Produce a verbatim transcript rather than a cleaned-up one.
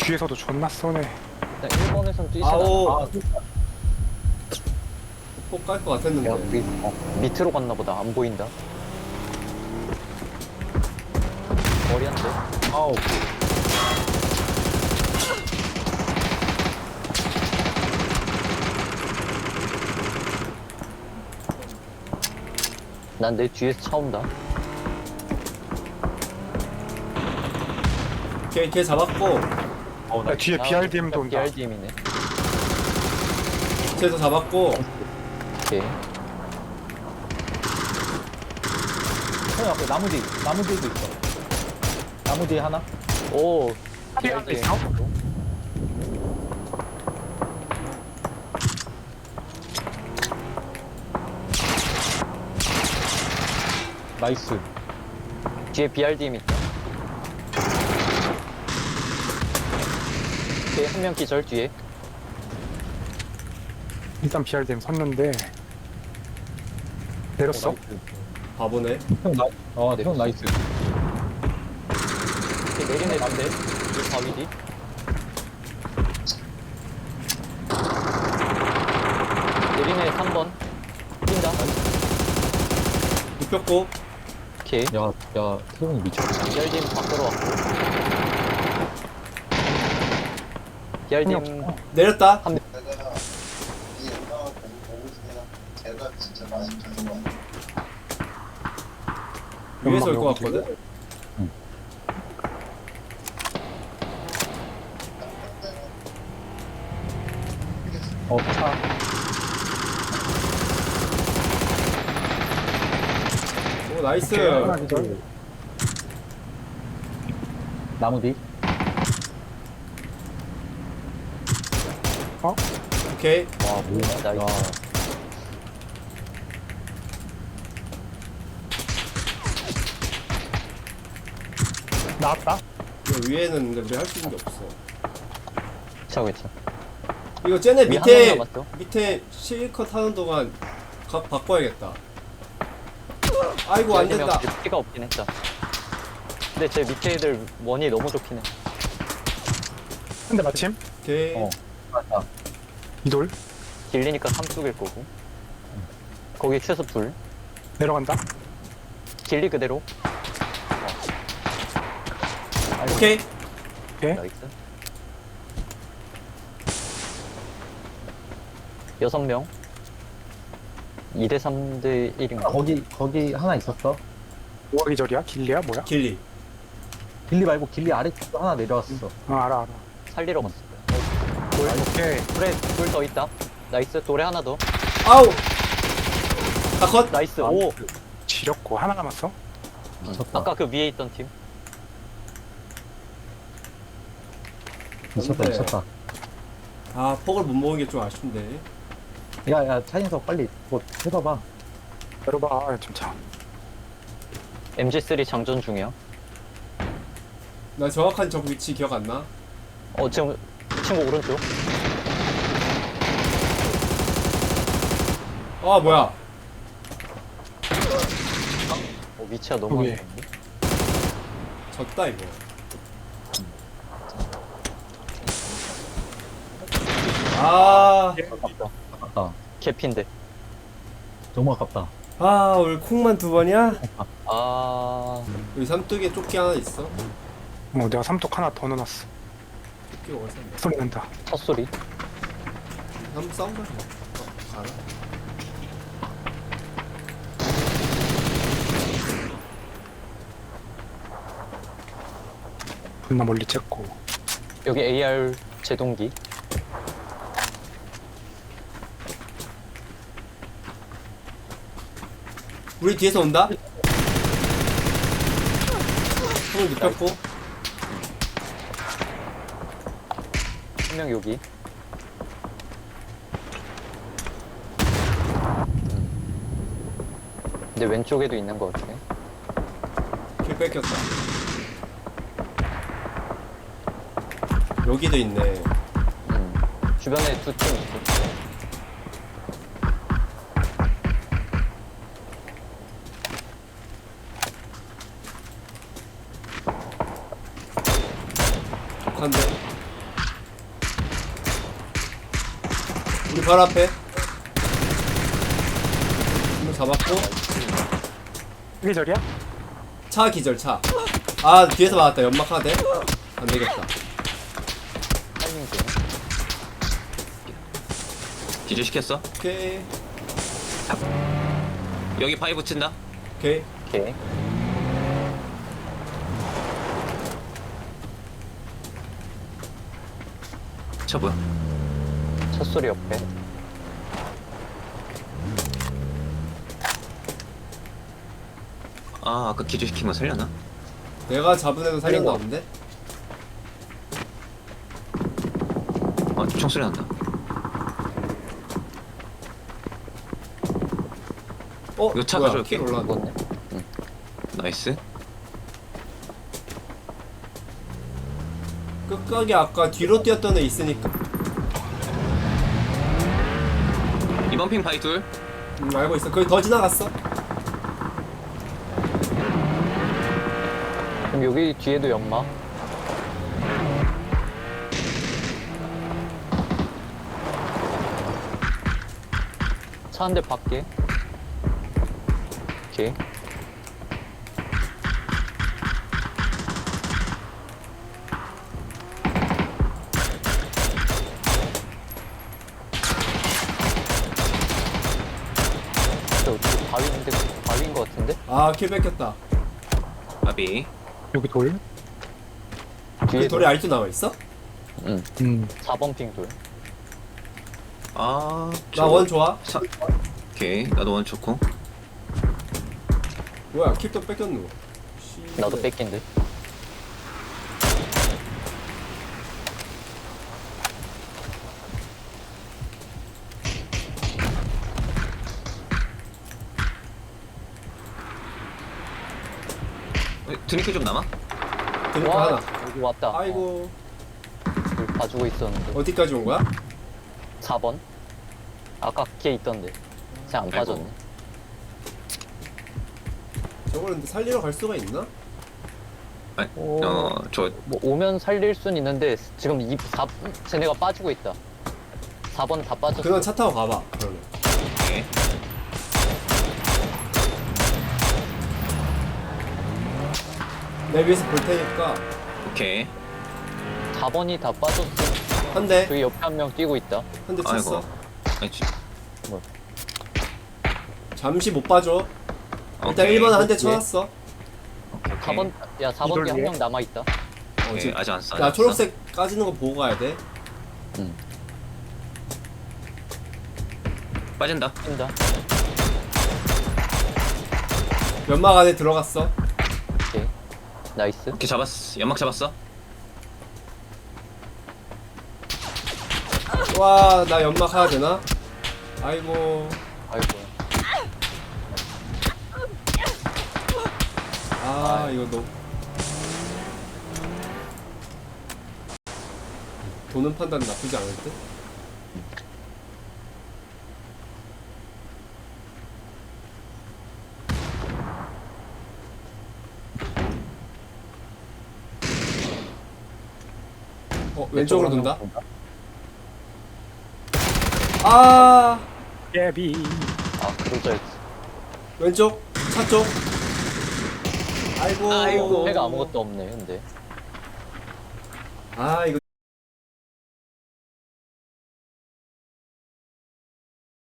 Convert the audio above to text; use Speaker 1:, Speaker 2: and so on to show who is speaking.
Speaker 1: 뒤에서도 존나 쏘네.
Speaker 2: 일단 일 번에선 뛰진 않아.
Speaker 3: 아오. 폭깔 것 같았는데.
Speaker 2: 야, 우리 어, 밑으로 갔나 보다. 안 보인다. 머리 한 대.
Speaker 4: 아우.
Speaker 2: 난 내 뒤에서 차 온다.
Speaker 3: 걔, 걔 잡았고,
Speaker 4: 어, 나
Speaker 1: 야, 뒤에 비알디엠도 온다.
Speaker 2: 비알디엠이네.
Speaker 3: 쟤도 잡았고.
Speaker 2: 오케이.
Speaker 4: 형 앞에 나무 뒤, 나무 뒤에도 있어. 나무 뒤에 하나?
Speaker 2: 오.
Speaker 1: 비알디 있어?
Speaker 4: 나이스.
Speaker 2: 뒤에 비알디엠 있다. 오케이, 한 명 기절 뒤에.
Speaker 1: 일단 비알디엠 섰는데 내렸어?
Speaker 4: 어, 나이스.
Speaker 3: 바보네.
Speaker 4: 형 나, 어, 형 나이스.
Speaker 2: 오케이, 내리네 반대. 이 바위 뒤. 내리네 삼 번. 뛴다.
Speaker 3: 눕혔고.
Speaker 2: 오케이.
Speaker 4: 야, 야, 태용이 미쳤다.
Speaker 2: 비알디엠 밖으로 왔고. 비알디엠
Speaker 3: 내렸다.
Speaker 2: 한
Speaker 5: 내가 이 영상을 보고 보고 있으면 제가 진짜 많이 가는 거 같아.
Speaker 3: 위에서 올 것
Speaker 1: 연막 여기
Speaker 3: 같거든?
Speaker 4: 어, 차.
Speaker 3: 오, 나이스.
Speaker 1: 오케이, 하나 기절.
Speaker 4: 나무 뒤.
Speaker 3: 오케이.
Speaker 4: 와, 뭐야.
Speaker 2: 나이스.
Speaker 4: 야,
Speaker 1: 나왔다.
Speaker 3: 이거 위에는 근데 우리 할 수 있는 게 없어.
Speaker 2: 차고 있어.
Speaker 3: 이거 쟤네
Speaker 2: 위
Speaker 3: 밑에,
Speaker 2: 하나 남았어.
Speaker 3: 밑에 실컷 하는 동안 각 바꿔야겠다. 아이고, 안 된다.
Speaker 2: 피가 없긴 했다. 근데 제 밑에 애들 원이 너무 좋긴 해.
Speaker 1: 근데 마침
Speaker 3: 오케이.
Speaker 4: 어. 맞다.
Speaker 1: 이돌
Speaker 2: 길리니까 삼뚝일 거고. 거기 최소 불.
Speaker 1: 내려간다.
Speaker 2: 길리 그대로.
Speaker 3: 오케이.
Speaker 1: 오케이.
Speaker 2: 나이스. 여섯 명. 이 대 삼 대 일인가?
Speaker 4: 거기, 거기 하나 있었어.
Speaker 1: 뭐가 기절이야? 길리야? 뭐야?
Speaker 3: 길리.
Speaker 4: 길리 말고 길리 아래쪽도 하나 내려왔어.
Speaker 1: 어 알아 알아.
Speaker 2: 살리러 갔어.
Speaker 1: 돌 오케이.
Speaker 2: 돌에 돌 더 있다. 나이스. 돌에 하나 더.
Speaker 3: 아우! 다 컷!
Speaker 2: 나이스.
Speaker 4: 아,
Speaker 2: 오.
Speaker 1: 지렸고 하나 남았어.
Speaker 4: 미쳤다.
Speaker 2: 아까 그 위에 있던 팀.
Speaker 4: 미쳤다,
Speaker 3: 근데-
Speaker 4: 미쳤다.
Speaker 3: 아, 폭을 못 먹은 게 좀 아쉽네.
Speaker 4: 야, 야, 차인석 빨리 뭐 해봐봐.
Speaker 1: 내려봐. 좀 차.
Speaker 2: 엠지 쓰리 장전 중이야.
Speaker 3: 나 정확한 적 위치 기억 안 나?
Speaker 2: 어 지금 친구 오른쪽.
Speaker 3: 아, 뭐야.
Speaker 2: 어, 위치가 너무 안
Speaker 1: 위에.
Speaker 2: 좋은데.
Speaker 3: 졌다, 이거. 아,
Speaker 4: 아깝다. 아깝다.
Speaker 2: 개핀데.
Speaker 4: 너무 아깝다.
Speaker 3: 아, 오늘 콩만 두 번이야?
Speaker 2: 아.
Speaker 3: 여기 삼뚝에 조끼 하나 있어.
Speaker 1: 어 내가 삼톡 하나 더 넣어놨어.
Speaker 3: 조끼 어디서 샀냐?
Speaker 1: 소리 난다.
Speaker 2: 첫 소리.
Speaker 3: 한번 싸움자. 어, 가라.
Speaker 1: 존나 멀리 쬐고.
Speaker 2: 여기 에이알 제동기.
Speaker 3: 우리 뒤에서 온다? 손을 눕혔고.
Speaker 2: 한 명 여기. 근데 왼쪽에도 있는 것 같아.
Speaker 3: 길 뺏겼다. 여기도 있네.
Speaker 2: 음. 주변에 두 팀 있어.
Speaker 3: 한대. 우리 바로 앞에. 한명 잡았고.
Speaker 1: 이게 절이야?
Speaker 3: 차 기절 차. 아 뒤에서 맞았다. 연막 하나 돼. 안 되겠다.
Speaker 2: 타이밍 되네.
Speaker 6: 기절시켰어?
Speaker 3: 오케이
Speaker 6: 여기 바위 붙인다.
Speaker 3: 오케이.
Speaker 2: 오케이.
Speaker 6: 저 뭐야?
Speaker 2: 첫 소리 옆에.
Speaker 6: 아 아까 기절시킨 거 살려나?
Speaker 3: 내가 잡은 애도 살렸나
Speaker 2: 살린
Speaker 3: 본데?
Speaker 6: 아 총소리 난다.
Speaker 3: 어?
Speaker 6: 이거 차
Speaker 3: 뭐야,
Speaker 6: 가져올게.
Speaker 3: 킬 올라왔네.
Speaker 2: 먹었네.
Speaker 6: 나이스.
Speaker 3: 끝까지 아까 뒤로 뛰었던 애 있으니까.
Speaker 6: 이번 핑 바위 둘.
Speaker 3: 음 알고 있어. 거기 더 지나갔어.
Speaker 2: 그럼 여기 뒤에도 연막. 차 한 대 밖에. 오케이. 저 바위인데 바위인 것 같은데?
Speaker 3: 아킬 뺏겼다.
Speaker 6: 바비.
Speaker 1: 여기 돌?
Speaker 2: 뒤에
Speaker 3: 그 돌에 알투 나와 있어?
Speaker 2: 응.
Speaker 1: 음.
Speaker 2: 사 번 핑 돌.
Speaker 6: 아.
Speaker 3: 나 원 좋아.
Speaker 6: 사... 오케이 나도 원 좋고.
Speaker 3: 뭐야 킬도 뺏겼노. 씨.
Speaker 2: 나도 뺏긴 듯.
Speaker 6: 어, 드링크 좀 남아?
Speaker 3: 드니까
Speaker 2: 와,
Speaker 3: 하나.
Speaker 2: 여기 왔다.
Speaker 3: 아이고
Speaker 2: 어, 여기 봐주고 있었는데.
Speaker 3: 어디까지 온 거야?
Speaker 2: 사 번? 아까 걔 있던데. 그냥 안
Speaker 6: 아이고.
Speaker 2: 빠졌네.
Speaker 3: 저걸 근데 살리러 갈 수가 있나?
Speaker 6: 아니,
Speaker 2: 오.
Speaker 6: 어저
Speaker 2: 뭐 오면 살릴 순 있는데 지금 이 사 쟤네가 빠지고 있다. 사 번 다 빠졌어.
Speaker 3: 그냥 차 타고 가봐. 그러면.
Speaker 6: 오케이.
Speaker 3: 내 위에서 볼 테니까
Speaker 6: 오케이.
Speaker 2: 사 번이 다 빠졌어.
Speaker 3: 한 대,
Speaker 2: 저기 옆에 한 명 뛰고 있다.
Speaker 3: 한 대
Speaker 6: 아이고.
Speaker 3: 쳤어.
Speaker 6: 아니, 지-
Speaker 3: 잠시 못 봐줘. 일단
Speaker 6: 오케이.
Speaker 3: 일 번 한 대
Speaker 2: 예.
Speaker 3: 쳐놨어.
Speaker 6: 오케이,
Speaker 2: 사 번 야 사 번
Speaker 1: 이걸
Speaker 2: 뒤에 한
Speaker 1: 위해?
Speaker 2: 명 남아 있다.
Speaker 3: 어,
Speaker 6: 오케이,
Speaker 3: 지금
Speaker 6: 아직 안 써.
Speaker 3: 야 초록색 까지는 거 보고 가야 돼.
Speaker 2: 응.
Speaker 6: 빠진다.
Speaker 2: 뛴다.
Speaker 3: 연막 안에 들어갔어.
Speaker 2: 오케이. 나이스.
Speaker 6: 오케이 잡았어. 연막 잡았어.
Speaker 3: 와, 나 연막 하나 되나? 아이고.
Speaker 2: 아이고.
Speaker 3: 아, 이거 너. 도는 판단 나쁘지 않을 듯? 어, 왼쪽으로 돈다? 아,
Speaker 1: 예비.
Speaker 2: 아 그러자였지.
Speaker 3: 왼쪽, 차 쪽. 아이고.
Speaker 6: 아이고.
Speaker 2: 해가 아무것도 없네 근데.
Speaker 3: 아, 이거